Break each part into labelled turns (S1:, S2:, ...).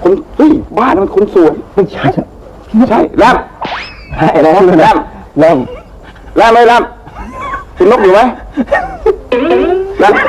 S1: คนเฮ้ยบ้านมันคนสวยไม่ใช่ใช่แรมอะไรนะแรมไม่แรมคุณนกอยู่ไหมแรม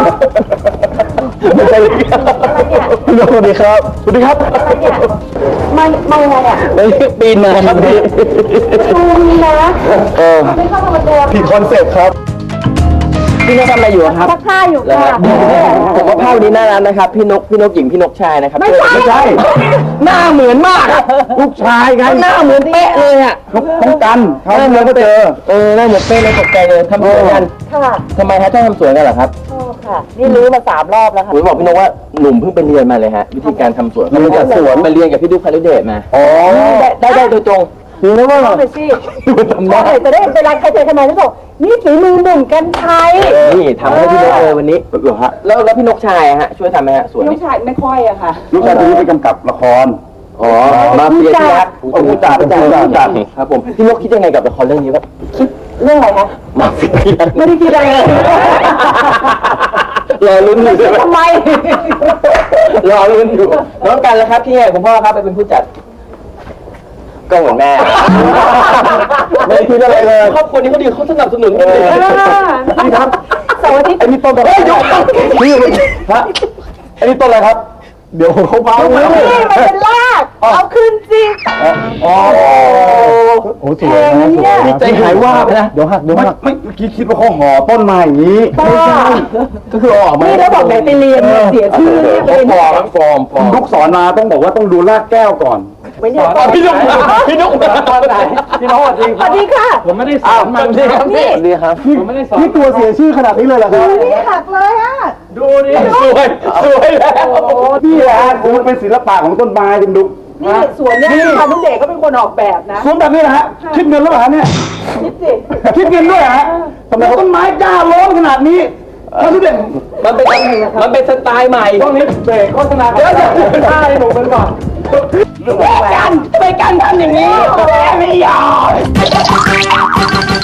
S1: ไม่ใช่คุณนกสวัสดีครับสวัสดีครับ
S2: ไม่ไงอ่ะ
S1: ไม่ปีนมาครับพี่
S2: ดูนะไม่เข้ามาเดิม
S1: ผิดคอนเซ็ปต์ครับ
S3: พี่นกทำอะไรอยู่ครับ
S2: ซักผ้าอยู่ค่ะ
S3: ผมว่าภาพนี้น่ารักนะครับพี่นกหญิงพี่นกชายนะครับ
S2: ไม่ใช่
S3: หน้าเหมือนมาก
S1: ลูกชายไง
S3: หน้าเหมือนเป๊ะเลยอ่ะ
S1: ต้องกันเขาเมื่อก็เจอ
S3: หน้าเหมือนเป๊ะเลยตกใจเลยทำสวยกัน
S2: ค่ะ
S3: ทำไมฮะชอบทำสวยกันเหรอครับ
S2: ชอบค่ะนี่รู้มา3 รอบแล้วค่ะ
S3: ผมบอกพี่นกว่าหนุ่มเพิ่งไปเรียนมาเลยฮะวิธีการทำสวนเขาเรียนจากสวนมาเรียนกับพี่ดุ๊กพาริเดชมาได้โดยตรง
S1: คือแล้วว่า
S2: ไปสิจะได้เป็นร้านใครเจอทำไมที่บอกนี่ฝีมือหนุ่มกันชัย
S3: นี่ทำให้พี่นกเลยวันนี้เหรอฮะแล้วพี่นกชายฮะช่วยทำไหมฮะสวน
S2: ลูกชายไม่ค่อยอะค่ะ
S1: ลูกชายตัวนี้ไปกำกับละคร
S3: มาเฟียที่รักผู้จัดครับผมพี่นกคิดยังไงกับละครเรื่องนี้ครับ
S2: คิดเรื่องอะไรคะ
S3: มาเฟียที่รัก
S2: ไม่ได้คิดอะไรเลย
S3: รอลุ้นอยู่ใช่ไหม
S2: ทำไม
S3: รอลุ้นอยู่น้องกันแล้วครับพี่คุณพ่อครับไปเป็นผู้จัดก็เหมือนแม่
S1: ไม่คิดอะไรเลย
S3: ครอบครัวนี้เขาดีเขาสนับสนุนกันเลย
S1: นี่ครับ
S2: เสาร์อาทิตย์
S1: ไอ้นี่ต้นอะไรนี่ฮะไอ้นี่ต้นอะไรครับเดี๋ยวเขาพา
S2: นี่มันเป็นรากเอาขึ้นสิ
S1: โอ้สวยนะสวย
S3: ใจหายว่าไปนะ
S1: เดี๋ยวหักไม่เมื่อกี้คิดว่าเขาห่อต้นมาอย่างนี้
S2: ไม่ใช่
S1: ก็คือออกมา
S2: นี่แล้วบอกไหนไปเรียนเสียชื่อ
S3: เนี่ยฟอร์ม
S1: ลูกสอนมาต้องบอกว่าต้องดูรากแก้วก่อน
S2: ไม่เนี่ย
S3: พี่นกตอนไหนพี่นก
S2: สวัสดีค่ะ
S3: ผมไม่ได้สอนมันดีครับดีครับผมไม่ได้สอน
S1: นี่ตัวเสียชื่อขนาดนี้เลยเหรอครับ
S2: นี่หักเลยอ่ะ
S3: ดูนี่สวยแล้ว
S1: นี่แหละคือมันเป็นศิลปะของต้นไม้ดิมดุ
S2: นี่สวนเนี่ยพานุเดชก็เป็นคนออกแบบนะ
S1: สวนแบบนี้นะฮะคิดเงินแล้วเหรอเนี่ย
S2: คิดสิ
S1: คิดเงินด้วยฮะทำไมต้นไม้กล้าร้อนขนาดนี้พานุเดช
S3: มันเป็นสไตล์ใหม่
S1: ต้องนี้เบรกโฆษณาเดี๋ยวจะท่าให้หนูกันก่อน
S3: กันทำไมกันทำอย่างนี้แม่ไม่ยอม